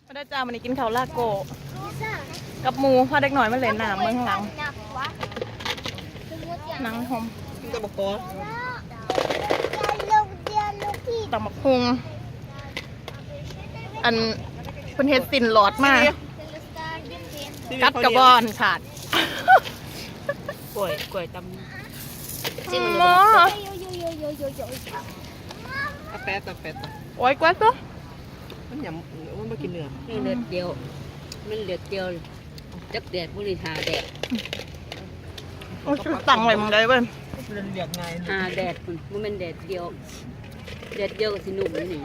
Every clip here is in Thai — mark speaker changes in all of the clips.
Speaker 1: มาได้จ้ามันนี้กินข้าวลาโกกับหมูพอเด็กหน่อยมาเล่นน้ำเมืองหลังหนังหอม
Speaker 2: ตะบกกอ
Speaker 1: ตำบักพุงอันเป็นเฮ็ดสินหลอดมากกัดกระบอนขาด
Speaker 2: กล้วยตำ
Speaker 1: จิ้มหมอ
Speaker 2: อาแปะ
Speaker 1: โอ้ยกว่าตัว
Speaker 2: มันหยำมันมากินเนื้อ
Speaker 3: นี่เลือดเดียวมันเลือดเดียวจักแดดบุรีหาแดด
Speaker 1: โอ้ยสั่งอะไรมึงได้เว้ย
Speaker 2: เรียกไง
Speaker 3: หาแดดคุณมันเป็นแดดเดียวแดดเดียวกับสิหนุ่มนี่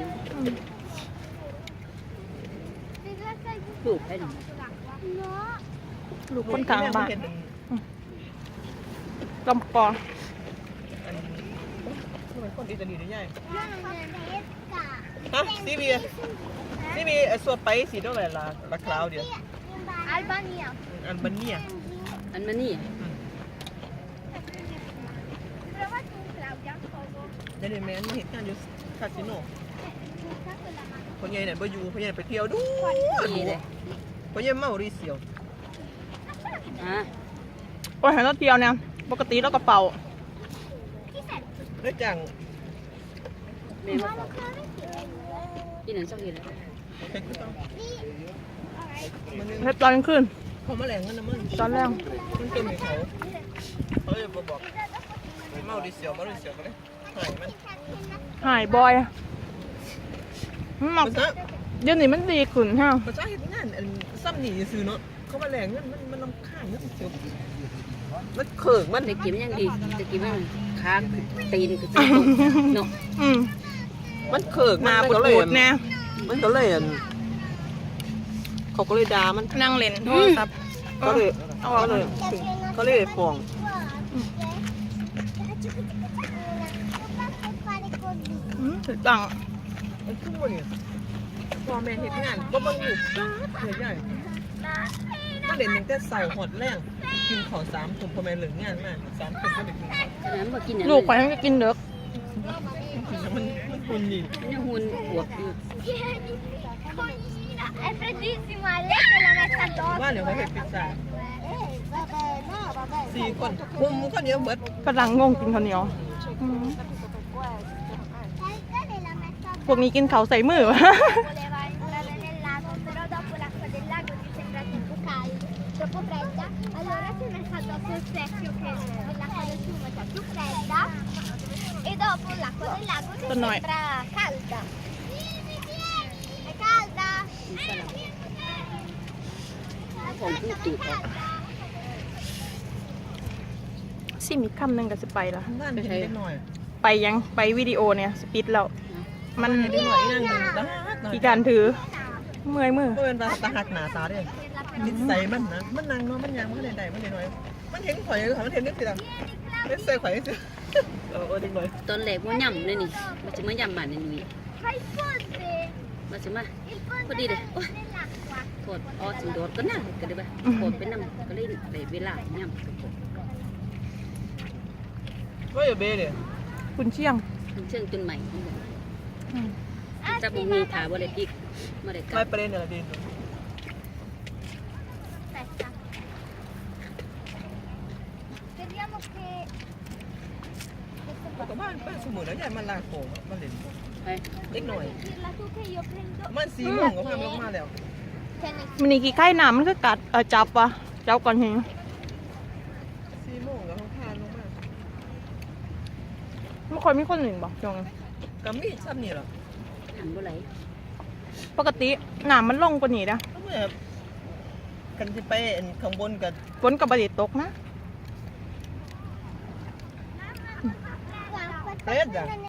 Speaker 3: ลูกให้หนู
Speaker 1: ลูกคนกลางบ้านลำปอ
Speaker 2: คนอิตาลีได้ใหญ่ฮะซีบีส่วนไปสีเท่าไหร่ละคราวเดียวอัลบาเนีย
Speaker 3: อันมานี่
Speaker 2: เดี๋ยวแม่เหตุการณ์อยู่คาสิโนคนใหญ่เนี่ยไปอยู่คนใหญ่ไปเที่ยวดู
Speaker 3: นี่เลย
Speaker 2: คนใหญ่เมารีเซียว
Speaker 1: โอ้ยให้เราเที่ยวเนี่ยปกติเรากระเป๋า
Speaker 2: ได้จัง
Speaker 3: แม่มาที่นั่นสักทีเลย
Speaker 1: เฮ็ดตอนกลางคืน
Speaker 2: เขามาแหลงกันนะมึง
Speaker 1: ตอนแรก
Speaker 2: มันเป็นเขาจะบอกเมารีเซียวก็เลยหายมัน
Speaker 1: หายบ่อยมันหมัก
Speaker 2: ภาษา
Speaker 1: เดี๋ยวนี้มันดีขึ้นฮะ
Speaker 2: ภาษาเหตุงานซ้ำหนีซื้อเนาะเขามาแหลงมันลำคาญมันเสียวมันเขิงมัน
Speaker 3: ตะกี้มันยังดีตะกี้มันค้างตีนคือเนาะ
Speaker 2: มันเขิง
Speaker 1: หน้า
Speaker 2: มัน
Speaker 1: ปุ
Speaker 2: ก็เลย
Speaker 1: ดๆเนี่ย
Speaker 2: มันก็เลยเขาก็เลยด่ามัน
Speaker 1: นั่งเล่นโทรศัพท์
Speaker 2: ก็เลย
Speaker 1: เอาออกเลย
Speaker 2: ก็เลยฟ้อง
Speaker 1: ถูกต้อง
Speaker 2: มันขึ้นมาเนี่ยพอแม่เห็นงานก็มันอยู่ใหญ่มาเด่นหนึ่งแต่เสาหอดแรงกินขอ3 ถุงพอแม่เหลืองานมาก3 ถุงก็ได้กิน
Speaker 3: น้ำมากินอย่าง
Speaker 1: ลูกไปให้มันกินเด็ก
Speaker 2: มันคุณดี
Speaker 3: นี่หุ่นอวบอยู่
Speaker 4: È freddissima, lei se la mette addosso.
Speaker 2: ว่าเดี๋ยวเขาเห็นพิซซ่า
Speaker 4: Vabbè, no, vabbè.
Speaker 2: 4 คนมุมคนเดียวเบิด
Speaker 1: กำลังงงกินข้าวเหนียว
Speaker 4: Lei la mette
Speaker 1: พวกนี้กินเขาวใส่มือ
Speaker 4: voleva entrare nel lago, però dopo l'acqua del lago gli sembra troppo calda, troppo fredda, allora si è messa addosso il specchio che l'acqua del fiume è più fredda e dopo l'acqua del lago si
Speaker 1: Tonoi.
Speaker 4: sembra calda. È calda?
Speaker 3: ของผู้ตูดออก
Speaker 1: ซิมอีกคำหนึ่งก็จะไปละ
Speaker 2: บ้านเห็นเล็กหน่อย
Speaker 1: ไปยังไปวิดีโอเนี่ยสปิดแล้ว มัน
Speaker 2: เห็นเล็กหน่อยนั่งดูด้าหน่อย
Speaker 1: อีการถือเมื่อยมือ
Speaker 2: ก็เป็นตาหักหนาตาด้วยนิสัยมันนะมันนั่งเนาะมันยังมันใดมันหน่อยมันเห็นข่อยมันเห็นนึกสิล่ะเล็กใส่ข่อยสิเด็กหน่อย
Speaker 3: ตอนแรกว่าย่ำเลยนี่มันจะมาย่ำบ้านนี่
Speaker 4: Fai il ponte!
Speaker 3: มันจะมา
Speaker 4: Il ponte
Speaker 3: พอดีเลย
Speaker 4: nell'acqua.
Speaker 3: โทษอ๋อสิโดดก็น่าก็ได้ป่ะโทษเป็นน้ำก็เลยได้เวลาย่ำ
Speaker 2: ก็อย่าเบ้เลย
Speaker 1: คุณเชียง
Speaker 3: เชื่องจนใหม่
Speaker 1: อืม
Speaker 3: จับมือถาบ่ได้ปิกมาได้กลั
Speaker 2: ไม่
Speaker 3: บ
Speaker 2: ประเด็นอะไรดี
Speaker 4: Aspetta. Speriamo che...
Speaker 2: ก็บ้านสมุนแล้วใหญ่มันลาโขมันเล่น
Speaker 3: ไป
Speaker 2: เล็กหน่อย
Speaker 4: Dirla tu che io prendo...
Speaker 2: มัน4 โมงก็พามาแล้ว
Speaker 4: Che ne
Speaker 1: มันนี่กี่ไข่น้ำมันก็กัดจับวะจับก่อนเห็น
Speaker 2: 4 โมงก็พาลงมา
Speaker 1: ไม่ค่อยมีคนหนึ่งบอกจง
Speaker 2: ก็มีซ้ำนี่หรอ
Speaker 3: หันบ่ไหล
Speaker 1: ปกติน้ำมันลงกว่านี้นะ
Speaker 2: ก็เมื่อกันจะไปข้างบนกัน
Speaker 1: ฝนกับบดีตกนะ
Speaker 4: Guarda,
Speaker 2: เฟรดอ่ะ